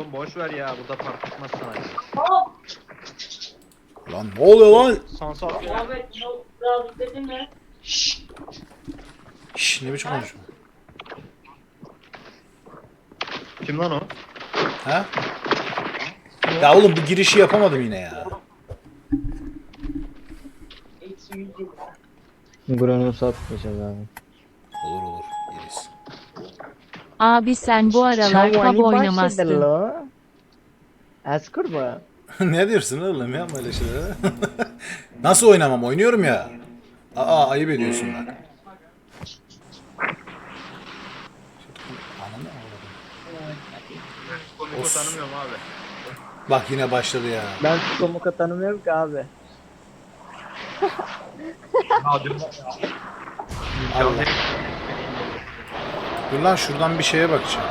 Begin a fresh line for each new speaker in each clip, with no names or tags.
Oğlum boş ver ya, burada fark etmez sana.
Lan ne oluyor lan?
Sansar ya.
Abi biraz izledin mi?
Şşş ne biçim konuşma?
Kim lan o?
Ha? Ya oğlum bu girişi yapamadım yine ya.
Granus atmayacağız abi.
Olur olur yeriz.
Abi sen bu aralar tab oynamazsın.
Eskurba.
Ne diyorsun oğlum yapma öyle şeyler. Nasıl oynamam? Oynuyorum ya. Aa ayıp ediyorsun bak. Ananı avradım.
Komiko
Of.
tanımıyorum abi.
Bak yine başladı ya.
Ben Komuka tanımıyorum ki abi.
Allah. Dur lan şuradan bir şeye bakacağım.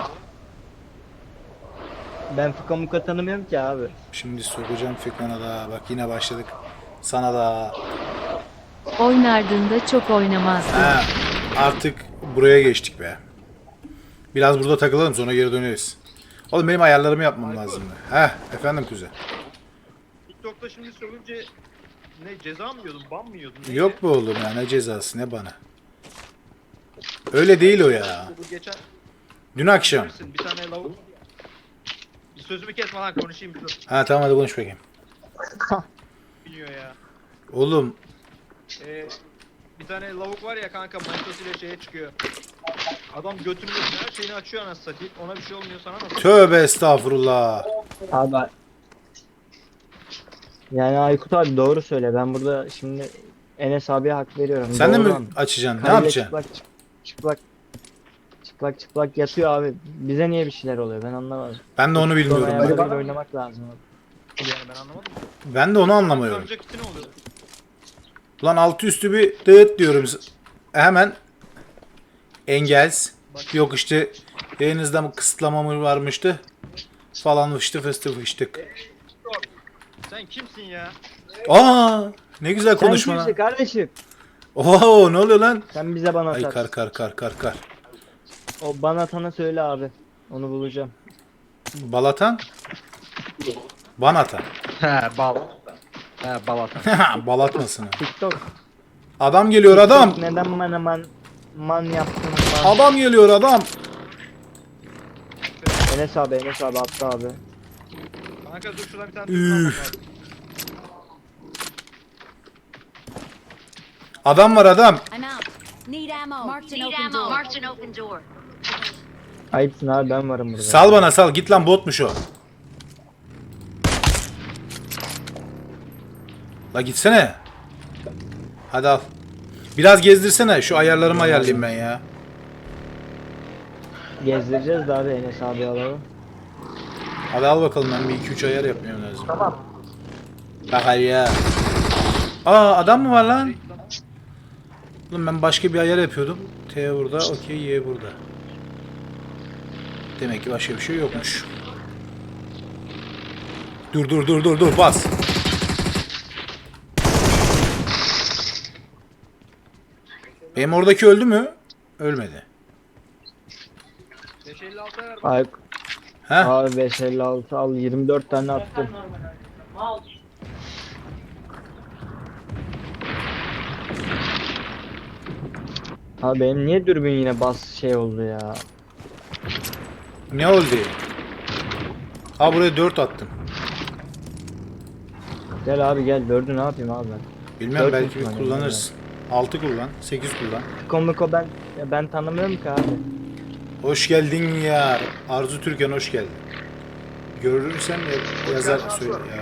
Ben Komuka tanımıyorum ki abi.
Şimdi sokacağım Fikran'a da. Bak yine başladık. Sana da.
Oynardın da çok oynamazdın.
Ha, artık buraya geçtik be. Biraz burada takılalım sonra geri döneriz. Oğlum benim ayarlarımı yapmam lazım. Heh efendim kuzen.
TikTok'ta şimdi sövünce ne ceza mı yiyordun, ban mı yiyordun? Neydi?
Yok bu oğlum ya ne cezası ne bana. Öyle değil o ya.
Bu geçen
Dün akşam.
bilirsin, bir tane lavuk. Bir sözümü kesme lan, konuşayım bir dur.
Ha tamam hadi konuş bakayım.
Biliyor ya.
Oğlum
Bir tane lavuk var ya kanka, manitasıyla şeye çıkıyor. Adam götünü her şeyini açıyor anasını satayım. Ona bir şey olmuyor, sana nasıl?
tövbe estağfurullah.
Abi. Yani Aykut abi doğru söyle. Ben burada şimdi Enes abiye hak veriyorum.
Sen de
Doğru
mi
abi.
açacaksın? Ne
Karıyla
yapacaksın?
çıplak yatıyor abi. Bize niye bir şeyler oluyor ben anlamadım.
Ben de onu bilmiyorum.
Sonra
bak.
ayarlarıyla oynamak lazım abi.
Yani ben anlamadım.
Ben de onu anlamıyorum.
Amca kiti ne oluyor?
Ulan altı üstü bir dağıt diyorum. Hemen engels. Yok işte yayınızda mı kısıtlama mı varmıştı? Falan fıştı fıstı fıştık.
Sen kimsin ya?
Aa ne güzel
Sen
konuşma
kimsin
lan.
kardeşim?
Oo ne oluyor lan?
Sen bize bana
Ay
at.
kar.
O bana atana söyle abi. Onu bulacağım.
Balatan? Banatan.
He bal. He bal atan.
Balatmasın.
TikTok.
Adam geliyor adam.
Neden bana man yaptın man?
Adam geliyor adam.
Enes abi attı abi.
Kanka dur şuradan bir tane
Üf. Adam var adam.
I'm out. Need ammo. Marked an open door. Marked an open door.
Ayıpsın abi ben varım burada.
Sal bana sal. Git lan botmuş o. La gitsene. Hadi al. Biraz gezdirsene. Şu ayarlarımı ayarlayayım ben ya.
Gezdireceğiz de abi Enes abi alalım.
Hadi al bakalım ben bir 2-3 ayar yapmam lazım. Tamam. Bak hadi ya. Aa adam mı var lan? Oğlum ben başka bir ayar yapıyordum. T burada, okey, Y burada. Demek ki başka bir şey yokmuş. Dur bas. Benim oradaki öldü mü? Ölmedi.
556 ver.
Ay,
Heh.
abi 556 al 24 tane attım. Abi benim niye dürbün yine bas şey oldu ya.
Ne oldu? Ha buraya 4 attım.
Gel abi gel 4'ü ne yapayım abi ben.
Bilmem
Dört
belki bir
ihtimalle
kullanırsın. 6 kullan, 8 kullan.
Komiko ben tanımıyorum ki abi.
Hoş geldin ya. Arzu Türkan hoş geldin. Görürsen yazar söyle ya.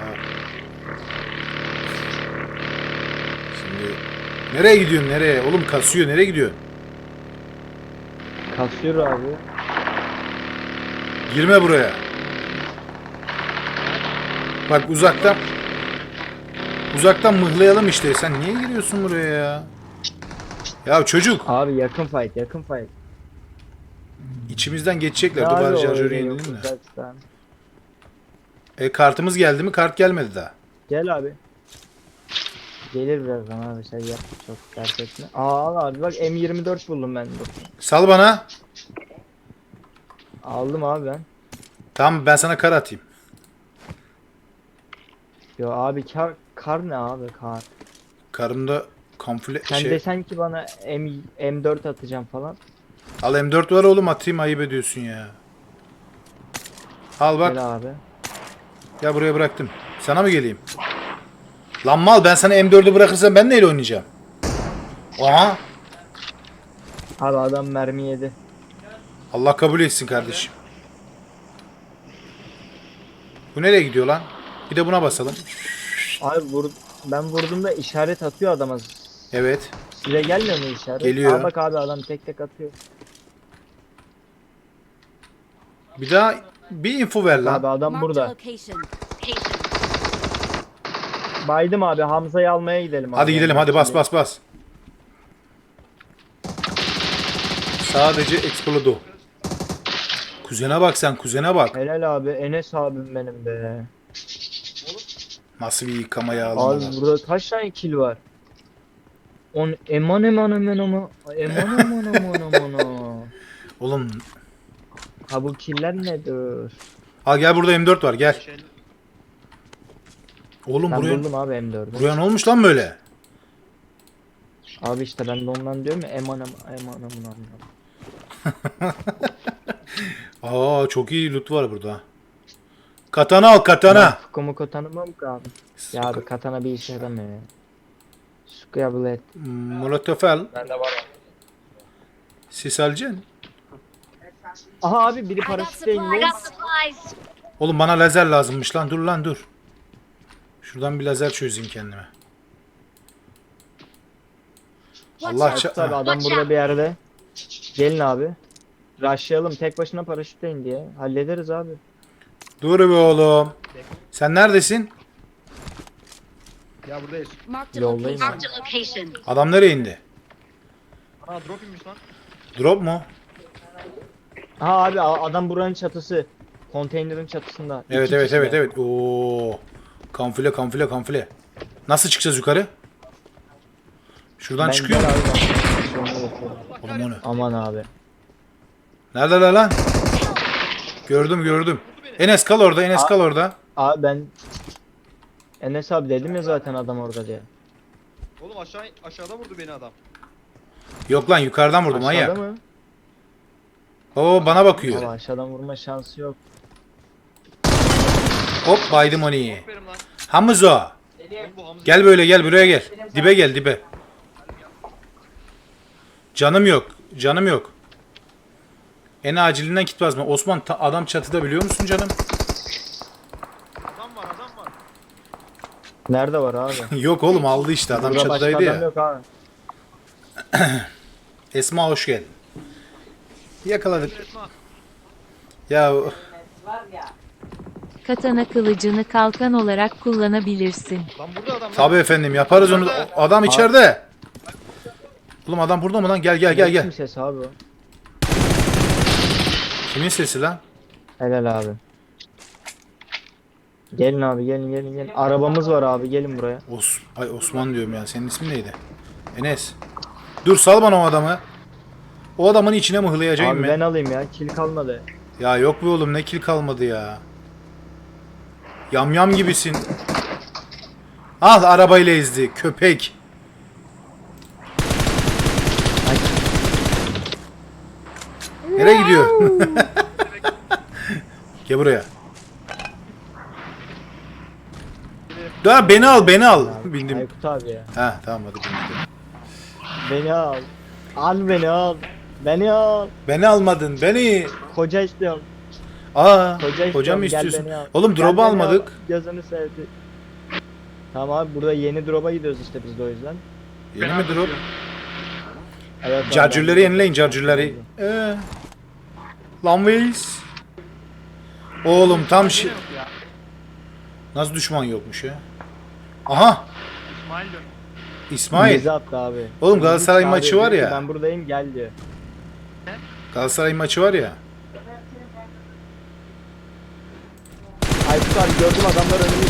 Şimdi nereye gidiyorsun nereye? Oğlum kasıyor nereye gidiyorsun?
Kasıyor abi.
Girme buraya. Bak uzaktan mıhlayalım işte. Sen niye giriyorsun buraya ya? Ya çocuk
Abi yakın fight.
içimizden geçecekler.
Ne
Dur
abi
bari
o
şarjörü
öyle yok
yenilelim de.
uzaktan.
Kartımız geldi mi? Kart gelmedi daha.
Gel abi. Gelir birazdan abi sen yap çok dert etme. Al abi bak M24 buldum ben. Dur.
Sal bana.
Aldım abi ben.
Tamam ben sana kar atayım.
Yo abi kar ne abi kar.
Karımda kamufle
Sen desen ki bana M4 atacağım falan.
Al M4 var oğlum, atayım, ayıp ediyorsun ya. Al bak.
Gel abi.
Ya buraya bıraktım. Sana mı geleyim? Lan mal, ben sana M4'ü bırakırsam ben neyle oynayacağım? Aha.
Abi adam mermi yedi.
Allah kabul etsin kardeşim. Bu nereye gidiyor lan? Bir de buna basalım.
Abi ben vurduğumda işaret atıyor adama.
Evet.
Size gelmiyor mu işaret?
Geliyor.
Aa, bak abi adam tek tek atıyor.
Bir daha bir info ver
Abi
lan.
adam
Marked a
burada.
location.
Baydım abi, Hamza'yı almaya gidelim abi.
Hadi gidelim, hadi bas bas bas. Sadece Explodo. Kuzene bak sen, kuzene bak.
Helal abi, Enes abim benim be.
Nasıl bir yıkamaya
Abi
aldılar.
burada kaç tane kill var? Eman.
Oğlum.
Ha bu killer nedir?
Al gel, burada M4 var, gel. Oğlum
Ben
buraya,
buldum abi M4'ü.
buraya ne olmuş lan böyle?
Abi işte ben de ondan diyorum ya eman.
Aa, çok iyi loot var burada. Katana al, katana.
Fukumu tanımam ki abi. Ya abi katana bir işe yaramıyor ya. Scrabble.
Molotov al.
Bende var ya.
Sis alacaksın.
Aha abi biri
I got
paraşütle indi.
supplies.
Oğlum bana lazer lazımmış lan, dur lan dur. Şuradan bir lazer çözeyim kendime. Allah
Aykut abi adam burada bir yerde. Gelin abi. Rushlayalım, tek başına paraşütle indi ya. Hallederiz abi.
Dur be oğlum. Sen neredesin?
Ya buradayız.
Marked a
Yoldayım
location.
Adam nereye indi?
Aa drop inmiş lan.
Drop mu?
Ha abi adam buranın çatısı. Konteynerin çatısında.
Evet
İki
evet
kişi
evet
de.
evet. Oo. Kamufle. Nasıl çıkacağız yukarı? Şuradan
Ben
çıkıyor mu?
gel abi, ben şu anda bakıyorum.
Oğlum o ne?
Aman abi.
Neredeler lan? Gördüm. Enes kal orada, Enes kal orada.
Abi ben Enes abi dedim ya zaten adam orada diye.
Oğlum aşağıda vurdu beni adam.
Yok lan, yukarıdan vurdum
Aşağıda
manyak.
mı?
Oo, bana bakıyor.
Abi aşağıdan vurma şansı yok.
Hop, baydım onu.
Verim lan.
Hamzo.
Oğlum bu Hamza.
Gel böyle, gel buraya gel. Dibe gel, dibe. Canım yok. En acilinden kit basma. Osman, adam çatıda, biliyor musun canım?
Adam var.
Nerede var abi?
Yok oğlum, aldı işte, adam
Burada başka
çatıdaydı
adam
ya.
yok abi.
Esma hoş geldin. Yakaladık.
Esma.
Ya
Katana kılıcını kalkan olarak kullanabilirsin.
Lan burada adam.
tabii efendim, yaparız onu. Adam içeride. Oğlum adam burada mı lan? Gel.
Kim ses abi o?
Kimin sesi lan?
Helal abi. Gelin abi gelin. Arabamız var abi, gelin buraya.
Osman diyorum ya. Senin ismin neydi? Enes. Dur, sal bana o adamı. O adamın içine mıhlayacağım
Abi
ben.
ben alayım ya, kill kalmadı.
Ya yok be oğlum, ne kill kalmadı ya. Yamyam gibisin. Ah, arabayla ezdi köpek.
Ay.
Nereye gidiyor? Gel buraya. Dur, beni al. Bindim.
Aykut abi ya.
Ha tamam, hadi bindim.
Beni al. Al beni al. Beni al.
Beni almadın, beni.
Koca istiyorum.
Aa,
Koca
hocam mı
istiyorum, gel
istiyorsun?
beni al.
Oğlum
Gel
drop'u
beni
almadık.
al. Gözünü sevdi. Tamam abi, burada yeni drop'a gidiyoruz işte biz de o yüzden.
Yeni mi drop?
Evet, abi,
Charger'ları
ben-
yenileyin, charger'ları. Lan Waze. Oğlum tam şey...
Yok ya.
Nasıl düşman yokmuş ya? Aha!
İsmail diyor.
İsmail.
Bizi attı abi.
Oğlum Galatasaray
Bizi
maçı
çağırıyor,
var
diyor
ya.
ki, Ben buradayım gel diyor.
Galatasaray maçı var ya.
Aykut abi gördüm adamlar önümü.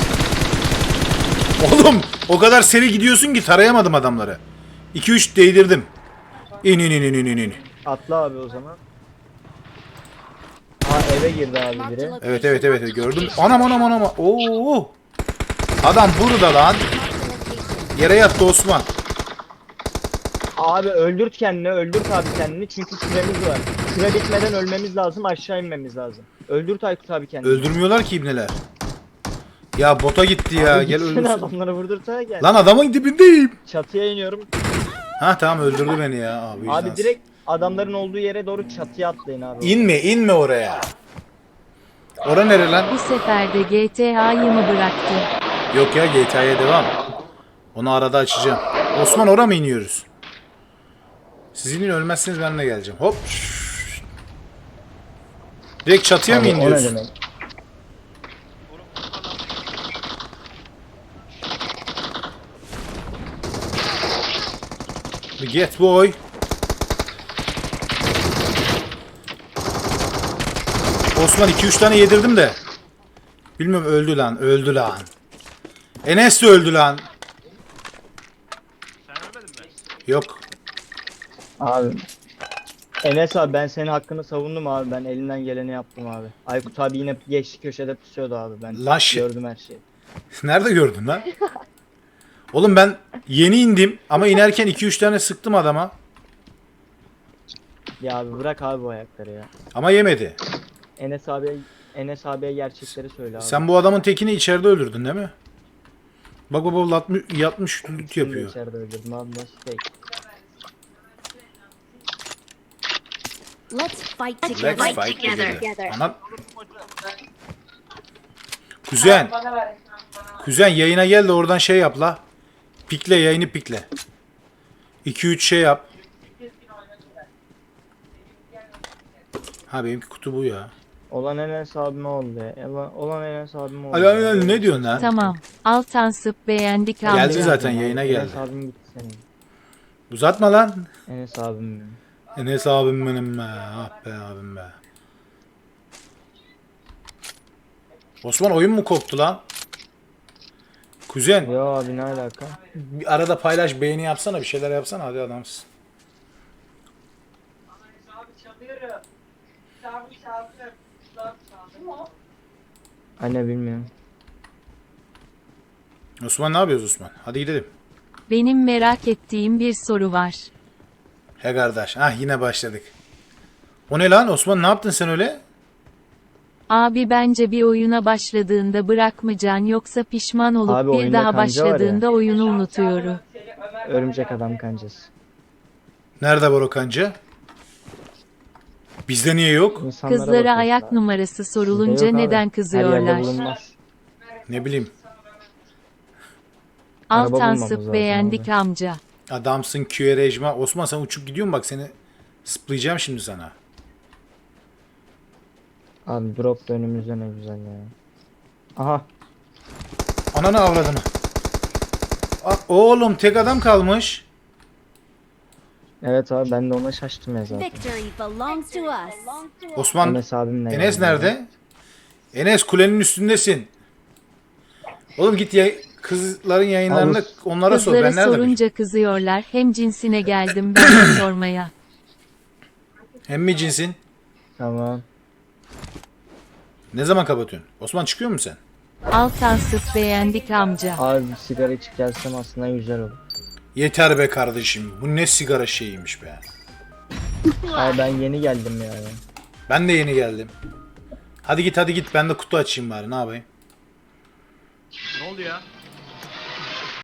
Oğlum o kadar seri gidiyorsun ki tarayamadım adamları. 2-3 değdirdim. İn.
Atla abi o zaman. Ha eve girdi abi
Marked
biri.
a location.
Evet gördüm. Anam. Oo. Adam burada lan.
Marked a location.
Yere yattı Osman.
Abi öldürt kendini, öldürt abi kendini çünkü süremiz var. Süre bitmeden ölmemiz lazım, aşağı inmemiz lazım. Öldürt Aykut abi kendini.
Öldürmüyorlar ki ibneler. Ya bota gitti ya.
Abi
Gel
gitsene
öldürsün.
adamları vurdursana gel.
Lan adamın dibindeyim.
Çatıya iniyorum.
Ha tamam öldürdü beni ya abi.
Abi direkt adamların olduğu yere doğru çatıya atlayın abi.
İnme oraya. Ora nere lan?
Bu sefer de GTA'yı mı bıraktı?
Yok ya GTA'ya devam. Onu arada açacağım. Osman ora mı iniyoruz? Siz inin ölmezseniz ben de geleceğim. Hop. Direkt çatıya mı
Abi, o ne
iniyoruz?
demek?
Get boy. Osman 2-3 tane yedirdim de. Bilmiyorum öldü lan. Enes de öldü lan.
Sen ölmedin mi?
Yok.
Abi. Enes abi ben senin hakkını savundum abi. Ben elinden geleni yaptım abi. Aykut abi yine geçti köşede pusuyordu abi. Ben
Lan
gördüm her şeyi.
Nerede gördün lan? Oğlum ben yeni indim ama inerken 2-3 tane sıktım adama.
Ya abi bırak abi bu ayakları ya.
Ama yemedi.
Enes abiye gerçekleri söyle abi.
Sen bu adamın tekini içeride öldürdün değil mi? Bak yatmış loot
Şimdi
yapıyor.
içeride öldürdüm abi nasıl değil.
Let's fight together.
Let's fight together. Anam. Kuzen yayına gel de oradan şey yap la. Pikle yayını pikle. 2-3 şey yap. Ha benimki kutu bu ya.
Olan Enes abime oldu ya. Olan Enes abime oldu.
Ay, ne diyorsun lan?
Tamam. Altansıp beğendik amca.
Geldi zaten yayına geldi.
Enes abim gitti senin.
Uzatma lan.
Enes abim benim.
Enes abim benim be. Ah be abim be. Osman oyun mu koptu lan? Kuzen
Yo abi ne alaka?
bir arada paylaş beğeni yapsana bir şeyler yapsana hadi adamsın.
Anne bilmiyorum.
Osman ne yapıyoruz Osman? Hadi gidelim.
Benim merak ettiğim bir soru var.
He kardeş. Ah yine başladık. O ne lan Osman ne yaptın sen öyle?
Abi bence bir oyuna başladığında bırakmayacaksın yoksa pişman olup
Abi
bir
oyunda
daha
kanca var ya.
başladığında oyunu unutuyorum.
Örümcek adam kancası.
Nerede var o kanca? Bizde niye yok?
İnsanlara
Kızlara
bakıyorsun
ayak
abi.
numarası
Bizde
sorulunca
yok abi.
neden
Her yerde
kızıyorlar?
bulunmaz.
Ne bileyim.
Araba bulmamız
Altansıp
lazım
beğendik
abi.
amca.
Adamsın QR'cma. Osman sen uçup gidiyorsun bak seni splayacağım şimdi sana.
Abi drop da önümüzde ne güzel ya. Aha.
Ananı avradını. Oğlum tek adam kalmış.
Evet abi ben de ona şaştım ya zaten.
Victory belongs to us.
Osman
Enes abimle.
Enes
geldim.
nerede? Enes kulenin üstündesin. Oğlum git ya kızların yayınlarında
Abi,
onlara sor.
Kızları
Ben nerede bileyim?
sorunca kızıyorlar. Hem cinsine geldim ben de sormaya.
Hem mi cinsin?
Tamam.
Ne zaman kapatıyorsun? Osman çıkıyor musun sen?
Altansıp beğendik amca.
Abi bir sigara içip gelsem aslında güzel olur.
Yeter be kardeşim. Bu ne sigara şeyiymiş be.
Abi ben yeni geldim ya.
Ben de yeni geldim. Hadi git. Ben de kutu açayım bari. Ne yapayım?
Ne oldu ya?